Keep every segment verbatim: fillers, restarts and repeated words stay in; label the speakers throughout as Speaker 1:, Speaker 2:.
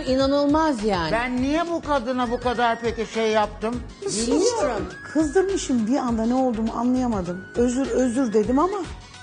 Speaker 1: çok inanılmaz yani.
Speaker 2: Ben niye bu kadına bu kadar peki şey yaptım?
Speaker 1: Bilmiyorum.
Speaker 3: Kızdırmışım bir anda ne olduğumu anlayamadım. Özür özür dedim ama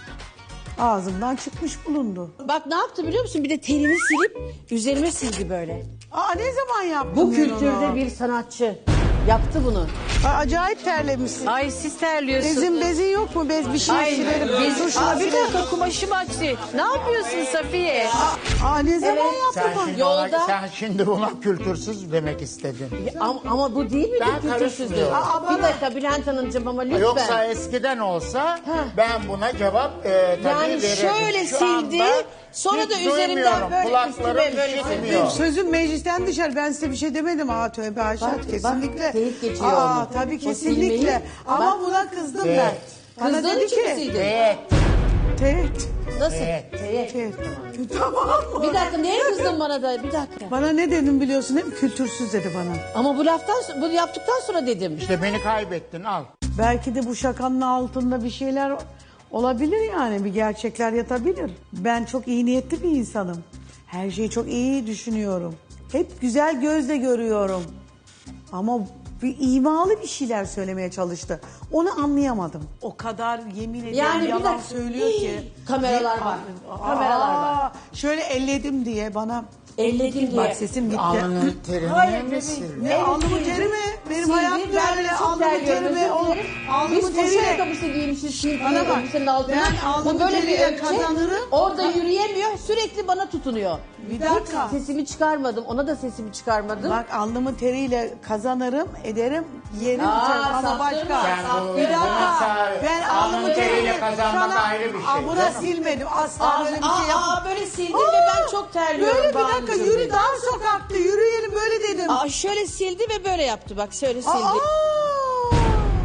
Speaker 3: ağzımdan çıkmış bulundu.
Speaker 1: Bak ne yaptı biliyor musun? Bir de telini silip üzerime sildi böyle.
Speaker 3: Aa ne zaman yaptın
Speaker 1: Bu
Speaker 3: ben
Speaker 1: kültürde
Speaker 3: onu?
Speaker 1: bir sanatçı yaptı bunu.
Speaker 3: Aa, acayip terlemişsin.
Speaker 4: Ay siz terliyorsunuz.
Speaker 3: Bezin bezin yok mu? Bez bir şey
Speaker 4: Ay
Speaker 3: silerim.
Speaker 4: bezin.
Speaker 3: Dur şunu
Speaker 4: Aa, bir
Speaker 3: silerim.
Speaker 4: dakika kumaşım açtı. Ne yapıyorsun Safiye?
Speaker 3: Aa ne zaman
Speaker 2: Sen
Speaker 3: yaptın?
Speaker 2: şimdi,
Speaker 1: Yolda-
Speaker 2: ona, sen şimdi buna kültürsüz demek istedin.
Speaker 1: Ama, ama bu değil mi
Speaker 2: Ben
Speaker 1: kültürsüzlük?
Speaker 2: karışmıyorum.
Speaker 1: Aa, bir dakika Bülent Hanımcığım ama lütfen.
Speaker 2: Yoksa eskiden olsa ben buna cevap e, tabii
Speaker 1: Yani
Speaker 2: verirdim.
Speaker 1: şöyle
Speaker 2: Şu
Speaker 1: sildi,
Speaker 2: anda
Speaker 1: sonra
Speaker 2: hiç
Speaker 1: da üzerinden
Speaker 2: duymuyorum.
Speaker 1: böyle
Speaker 2: Kulaklarım
Speaker 1: üstüme böyle
Speaker 2: işitmiyor.
Speaker 3: Sözüm meclisten dışarı. Ben size bir şey demedim. Aa tövbe haşa
Speaker 1: Bak,
Speaker 3: kesinlikle.
Speaker 1: bak, teyit geçiyor
Speaker 3: Aa
Speaker 1: onu.
Speaker 3: tabii
Speaker 1: O
Speaker 3: kesinlikle.
Speaker 1: silmeyi-
Speaker 3: Ama
Speaker 1: Bak.
Speaker 3: buna kızdım
Speaker 2: Evet.
Speaker 3: ben. Bana
Speaker 1: Kızdığın
Speaker 3: dedi
Speaker 1: için mi
Speaker 3: ki.
Speaker 1: sildin?
Speaker 2: Evet.
Speaker 3: Teğet.
Speaker 1: Nasıl?
Speaker 2: Evet.
Speaker 1: Teyit.
Speaker 3: Teğet. Tamam mı?
Speaker 1: Bir dakika neye kızdın bana da? Bir dakika.
Speaker 3: Bana ne dedim biliyorsun değil mi? Kültürsüz dedi bana.
Speaker 1: Ama bu laftan bu yaptıktan sonra dedim.
Speaker 2: İşte beni kaybettin al.
Speaker 3: Belki de bu şakanın altında bir şeyler olabilir yani. Bir gerçekler yatabilir. Ben çok iyi niyetli bir insanım. Her şeyi çok iyi düşünüyorum. Hep güzel gözle görüyorum. Ama bir imalı bir şeyler söylemeye çalıştı. Onu anlayamadım. O kadar yemin ederim
Speaker 1: Yani bir
Speaker 3: yalan
Speaker 1: dakika.
Speaker 3: söylüyor ki.
Speaker 1: Kameralar var.
Speaker 3: Aa,
Speaker 1: Kameralar var.
Speaker 3: Şöyle elledim diye bana.
Speaker 1: Elledim diye.
Speaker 3: Bak sesim gitti.
Speaker 2: Alnının terini mi sildin?
Speaker 3: Ne alnımın teri mi? Benim
Speaker 1: Sildi,
Speaker 3: hayatım
Speaker 1: ben
Speaker 3: böyle
Speaker 1: çok
Speaker 3: alnımın
Speaker 1: terliyorum,
Speaker 3: teri mi?
Speaker 1: özür
Speaker 3: O
Speaker 1: dilerim.
Speaker 3: alnımın
Speaker 1: Biz koşu
Speaker 3: teriyle.
Speaker 1: ayakkabısı giymişiz şimdi
Speaker 3: Bana bak,
Speaker 1: elbisenin altına.
Speaker 3: ben alnımın
Speaker 1: Bu böyle bir
Speaker 3: teriyle
Speaker 1: ökçe.
Speaker 3: kazanırım.
Speaker 1: Orada yürüyemiyor. Sürekli bana tutunuyor.
Speaker 3: Bir dakika.
Speaker 1: Hiç sesimi çıkarmadım. Ona da sesimi çıkarmadım.
Speaker 3: Bak alnımın teriyle kazanırım, ederim, yerim,
Speaker 1: Aa,
Speaker 3: içerim ama
Speaker 1: saptırma.
Speaker 3: başka.
Speaker 2: Sen bu-
Speaker 3: Bir dakika.
Speaker 2: bunu-
Speaker 3: Ben
Speaker 2: alnının
Speaker 3: alnımın
Speaker 2: teriyle
Speaker 3: teriyle
Speaker 2: kazanmak
Speaker 3: sana-
Speaker 2: ayrı bir şey,
Speaker 3: Aa, buna
Speaker 2: canım.
Speaker 3: silmedim. Asla
Speaker 1: Aa,
Speaker 3: böyle bir
Speaker 1: aa,
Speaker 3: şey yapmadım.
Speaker 1: aa, böyle sildim ve ben çok terliyorum.
Speaker 3: Böyle bir
Speaker 1: Banu
Speaker 3: dakika
Speaker 1: Gül
Speaker 3: yürü
Speaker 1: dedi.
Speaker 3: dar sokakta yürüyelim böyle dedim.
Speaker 1: Aa, şöyle sildi ve böyle yaptı. Bak şöyle sildi.
Speaker 3: Aa!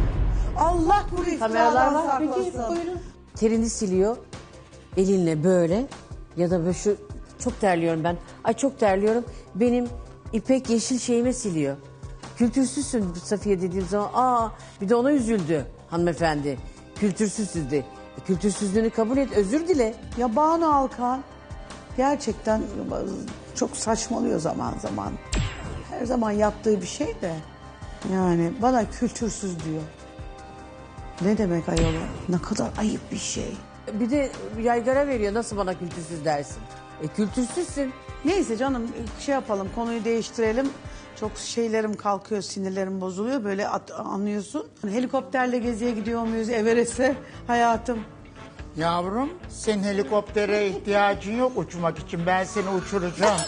Speaker 3: Allah bu
Speaker 1: Kameralar
Speaker 3: iftiradan
Speaker 1: var. Peki
Speaker 3: saklasın.
Speaker 1: buyurun. Terini siliyor. Elinle böyle. Ya da böyle şu çok terliyorum ben. Ay çok terliyorum. Benim ipek yeşil şeyime siliyor. Kültürsüzsün Safiye dediğim zaman. Aa bir de ona üzüldü hanımefendi. Kültürsüzsün de. E, kültürsüzlüğünü kabul et. Özür dile.
Speaker 3: Ya Banu Alkan gerçekten çok saçmalıyor zaman zaman. Her zaman yaptığı bir şey de yani bana kültürsüz diyor. Ne demek ayol? Ne kadar ayıp bir şey.
Speaker 1: Bir de yaygara veriyor. Nasıl bana kültürsüz dersin? E kültürsüzsün.
Speaker 3: Neyse canım şey yapalım konuyu değiştirelim. Çok şeylerim kalkıyor, sinirlerim bozuluyor. Böyle at- anlıyorsun. Helikopterle geziye gidiyor muyuz Everest'e hayatım?
Speaker 2: Yavrum senin helikoptere ihtiyacın yok uçmak için. Ben seni uçuracağım.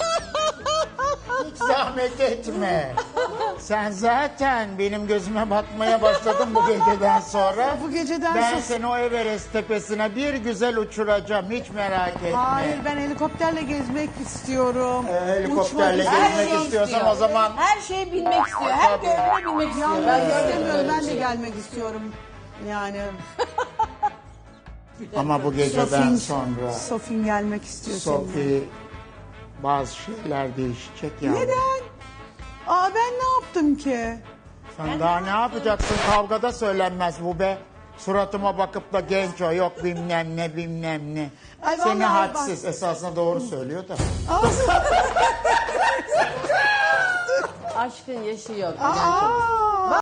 Speaker 2: Hiç zahmet etme. Sen zaten benim gözüme batmaya başladın bu geceden sonra.
Speaker 3: Bu geceden
Speaker 2: Ben
Speaker 3: sonra-
Speaker 2: seni o Everest tepesine bir güzel uçuracağım. Hiç merak etme.
Speaker 3: Hayır ben helikopterle gezmek istiyorum.
Speaker 2: Ee, helikopterle
Speaker 3: Uçmak
Speaker 2: gezmek
Speaker 3: istiyorum.
Speaker 2: istiyorsan o zaman
Speaker 1: Her şeye binmek istiyor. Her
Speaker 2: Tabii.
Speaker 1: gördüğüne binmek istiyor.
Speaker 3: Ben
Speaker 1: Ben görmedim
Speaker 3: istemiyorum.
Speaker 1: öyle
Speaker 3: Ben
Speaker 1: bir
Speaker 3: de
Speaker 1: şey.
Speaker 3: gelmek istiyorum. Yani
Speaker 2: ama bu geceden
Speaker 3: Sofin,
Speaker 2: sonra
Speaker 3: Sofin gelmek istiyor seninle.
Speaker 2: Sophie bazı şeyler değişecek ya.
Speaker 3: Neden? Aa ben ne yaptım ki?
Speaker 2: Sen daha ne yapacaksın? Kavgada söylenmez bu be. Suratıma bakıp da genç o yok bilmem ne bilmem ne.
Speaker 3: Ay
Speaker 2: Seni
Speaker 3: vallahi
Speaker 2: hadsiz esasında doğru söylüyor da.
Speaker 1: Aşkın yaşı yok.
Speaker 3: Aa,